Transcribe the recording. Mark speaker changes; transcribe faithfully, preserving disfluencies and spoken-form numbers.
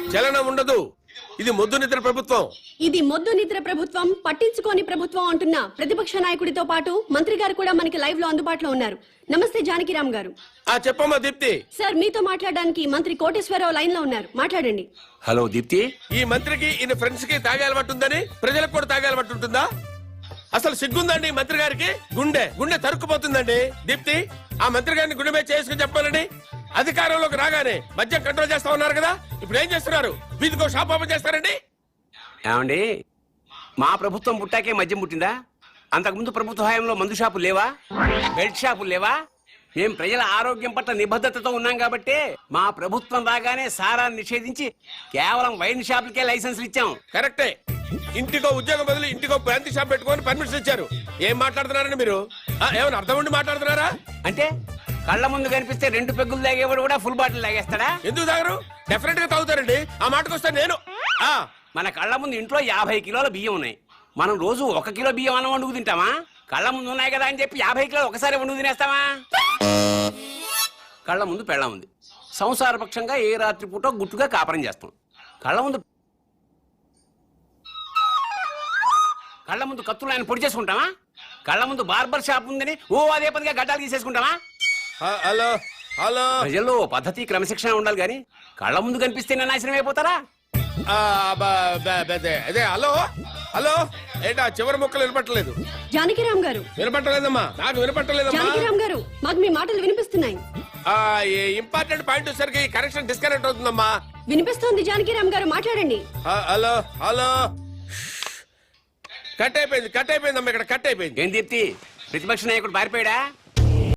Speaker 1: చలనం ఉండదు. ఇది మొద్దు నిద్ర ప్రభుత్వం.
Speaker 2: ఇది మొద్దు నిద్ర ప్రభుత్వం, పట్టించుకోని ప్రభుత్వం అంటున్న ప్రతిపక్ష నాయకుడితో పాటు మంత్రి గారు కూడా మనకి లైవ్ లో అందుబాటులో ఉన్నారు. నమస్తే జానకిరామ్ గారు.
Speaker 1: ఆ చెప్పమ్మా దీప్తి.
Speaker 2: సార్ మీతో మాట్లాడడానికి మంత్రి కోటేశ్వరరావు లైన్ లో ఉన్నారు, మాట్లాడండి.
Speaker 3: హలో దీప్తి.
Speaker 1: ఈ మంత్రికి ఈయన ఫ్రెండ్స్ కి తాగే అలవాటు ఉందని ప్రజలకు కూడా తాగే అలవాటు ఉంటుందా? అసలు సిగ్గుందండి మంత్రి గారికి? గుండె గుండె తరుక్కుపోతుందండి. దీప్తి, ఆ మంత్రి గారిని గుండె మీద చేసుకుని చెప్పాలండి. అధికారంలోకి రాగానే మద్యం కంట్రోల్ చేస్తా ఉన్నారు కదా, ఇప్పుడు ఏం చేస్తున్నారు? వీధికో షాప్ ఓపెన్ చేస్తారండి.
Speaker 3: ఏమండి, మా ప్రభుత్వం పుట్టాకే మద్యం పుట్టిందా? అంతకుముందు ప్రభుత్వ హయాంలో మందు షాపులు లేవా? బెల్ట్ షాపులు లేవా? మేం ప్రజల ఆరోగ్యం పట్ల నిబద్ధతతో ఉన్నాం కాబట్టి మా ప్రభుత్వం రాగానే సారాన్ని నిషేధించి కేవలం వైన్ షాపులకే లైసెన్సులు ఇచ్చాం.
Speaker 1: కరెక్టే. ఇంటికో ఉద్యోగం బదులు ఇంటికో బ్రాంతి షాప్ పెట్టుకొని పర్మిషన్ ఇచ్చారు. ఏం మాట్లాడుతున్నారండి మీరు? ఏమైనా అర్థం ఉండి మాట్లాడుతున్నారా?
Speaker 3: అంటే కళ్ళ ముందు కనిపిస్తే రెండు పెగ్గులు తాగేవాడు కూడా ఫుల్ బాటిల్ తాగేస్తాడా?
Speaker 1: ఎందుకు తాగరు? డెఫినెట్ గా తాగుతారండి. ఆ మాటకు వస్తే నేను ఆ
Speaker 3: మన కళ్ళ ముందు ఇంట్లో యాభై కిలోల బియ్యం ఉన్నాయి. మనం రోజు ఒక కిలో బియ్యం అన్నం వండుకు తింటామా? కళ్ళ ముందు ఉన్నాయి కదా అని చెప్పి యాభై కిలోలు ఒకసారి వండుకు తినేస్తామా? కళ్ళ ముందు పెళ్ళం ఉంది. సంసారపక్షంగా ఏ రాత్రి పూట గుట్టుగా కాపురం చేస్తాం. కళ్ళ ముందు కళ్ళ ముందు కత్తులు ఆయన పొడి చేసుకుంటామా? కళ్ళ ముందు బార్బర్ షాప్ ఉందని ఓ అదే పదిగా గడ్డాలు తీసేసుకుంటామా?
Speaker 1: హలో హలో
Speaker 3: ప్రజల్లో పద్ధతి క్రమశిక్షణ ఉండాలి కానీ కళ్ళ ముందు కనిపిస్తే నాశనం అయిపోతారా?
Speaker 1: అదే హలో హలో ఏంటా చివరి ముక్కలు వినపట్టలేదు?
Speaker 2: జానకిరామ్ గారు.
Speaker 1: వినపట్టలేదమ్మా, నాకు వినపట్టలేదమ్మా.
Speaker 2: జానకిరామ్ గారు, మాకు మీ మాటలు వినిపిస్తున్నాయి.
Speaker 1: ఇంపార్టెంట్ పాయింట్ వచ్చేసరికి కనెక్షన్ డిస్కనెక్ట్ అవుతుందమ్మా.
Speaker 2: వినిపిస్తోంది జానకిరామ్ గారు, మాట్లాడండి.
Speaker 1: హలో హలో కట్ అయిపోయింది కట్ అయిపోయిందమ్మా, ఇక్కడ కట్ అయిపోయింది.
Speaker 3: ఏం దీప్తి, ప్రతిపక్ష నాయకుడు పారిపోయాడా?